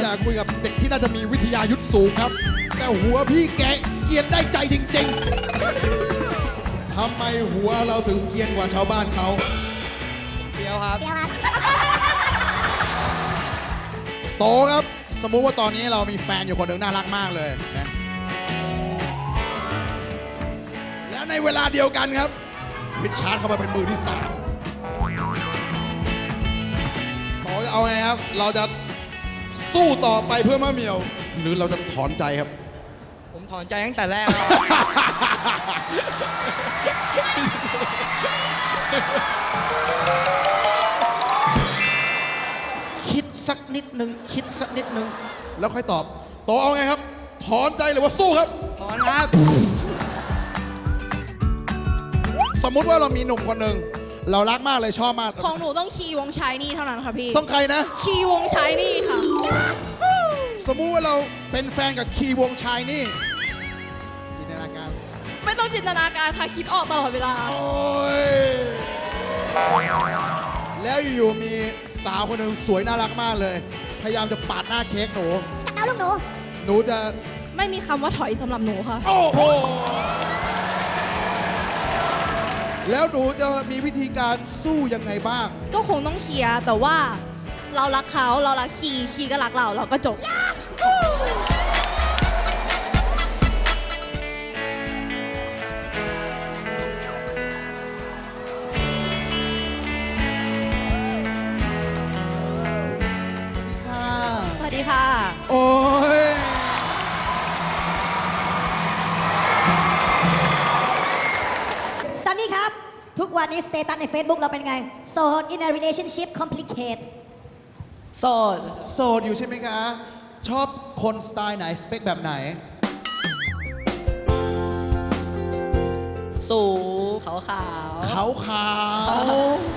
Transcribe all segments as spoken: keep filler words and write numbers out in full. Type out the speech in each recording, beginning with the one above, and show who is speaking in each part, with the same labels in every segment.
Speaker 1: อยากคุยกับเด็กที่น่าจะมีวิทยายุทธสูงครับแต่หัวพี่แกเกรียนได้ใจจริงๆทำไมหัวเราถึงเกรียนกว่าชาวบ้านเขาเดียวครับเดียวครับโตครับสมมุติว่าตอนนี้เรามีแฟนอยู่คนหนึ่งน่ารักมากเลยนะแล้วในเวลาเดียวกันครับริชาร์ดเข้ามาเป็นมือที่สามโตจะเอาไงครับเราจะสู้ต่อไปเพื่อมะเหมี่ยวหรือเราจะถอนใจครับ
Speaker 2: ผมถอนใจตั้งแต่แรกแล้ว
Speaker 1: คิดสักนิดนึงคิดสักนิดนึงแล้วค่อยตอบโตเอาไงครับถอนใจหรือว่าสู้ครับ
Speaker 2: ถอนครับ
Speaker 1: สมมุติว่าเรามีหนุ่มคนหนึ่งเรารักมากเลยชอบมาก
Speaker 3: ของหนูต้องคีย์วงชายนี่เท่านั้นค่ะพี่
Speaker 1: ต้องใครนะ
Speaker 3: คีย์วงชายนี่ค่ะ
Speaker 1: สมมุติว่าเราเป็นแฟนกับคีย์วงชายนี่จินตนาการ
Speaker 3: ไม่ต้องจินตนาการค่ะคิดออกตลอดเวลา
Speaker 1: โอ้ยแล้วอยู่ๆมีสาวคนหนึ่งสวยน่ารักมากเลยพยายามจะปาดหน้าเค้กหนู
Speaker 3: เอาลูกหนู
Speaker 1: หนูจะ
Speaker 3: ไม่มีคำว่าถอยสำหรับหนูค่ะ
Speaker 1: โอ้โหแล้วหนูจะมีวิธีการสู้ยังไงบ้าง
Speaker 3: ก็คงต้องเคลียร์แต่ว่าเรารักเขาเรารักคีย์คีย์ก็รักเราเราก็จบสวัสดีค่ะ
Speaker 1: โอ้ย
Speaker 4: ซันนี่ครับทุกวันนี้สเตตัสใน Facebook เราเป็นไงโสด in a relationship complicate
Speaker 3: โสด
Speaker 1: โสดอยู่ใช่ไหมคะชอบคนสไตล์ไหนสเปคแบบไหน
Speaker 3: สูงขาวขาว
Speaker 1: ขาวขาว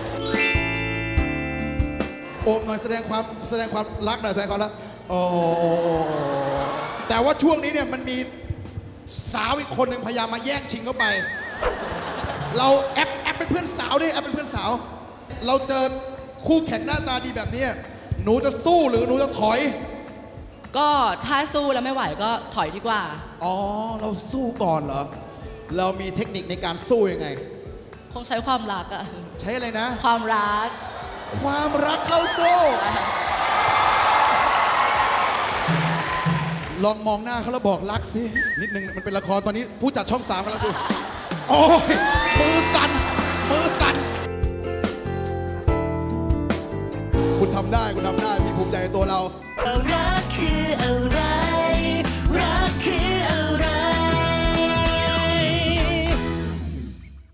Speaker 1: โอบหน่อยแสดงความแสดงความรักหน่อยแสดงความรักโอ้แต่ว่าช่วงนี้เนี่ยมันมีสาวอีกคนหนึ่งพยายามมาแย่งชิงเข้าไปเราแอปแอปเป็นเพื่อนสาวดิแอปเป็นเพื่อนสาวเราเจอคู่แข่งหน้าตาดีแบบนี้หนูจะสู้หรือหนูจะถอย
Speaker 3: ก็ถ้าสู้แล้วไม่ไหวก็ถอยดีกว่า
Speaker 1: อ๋อเราสู้ก่อนเหรอเรามีเทคนิคในการสู้ยังไง
Speaker 3: คงใช้ความรักอะ
Speaker 1: ใช้อะไรนะ
Speaker 3: ความรัก
Speaker 1: ความรักเข้าสู้ลองมองหน้าเขาแล้วบอกรักสินิดนึงมันเป็นละครตอนนี้ผู้จัดช่องสามกำลังดูโอ้ยมือสั่นมือสั่นคุณทำได้คุณทำได้พี่ภูมิใจในตัวเรา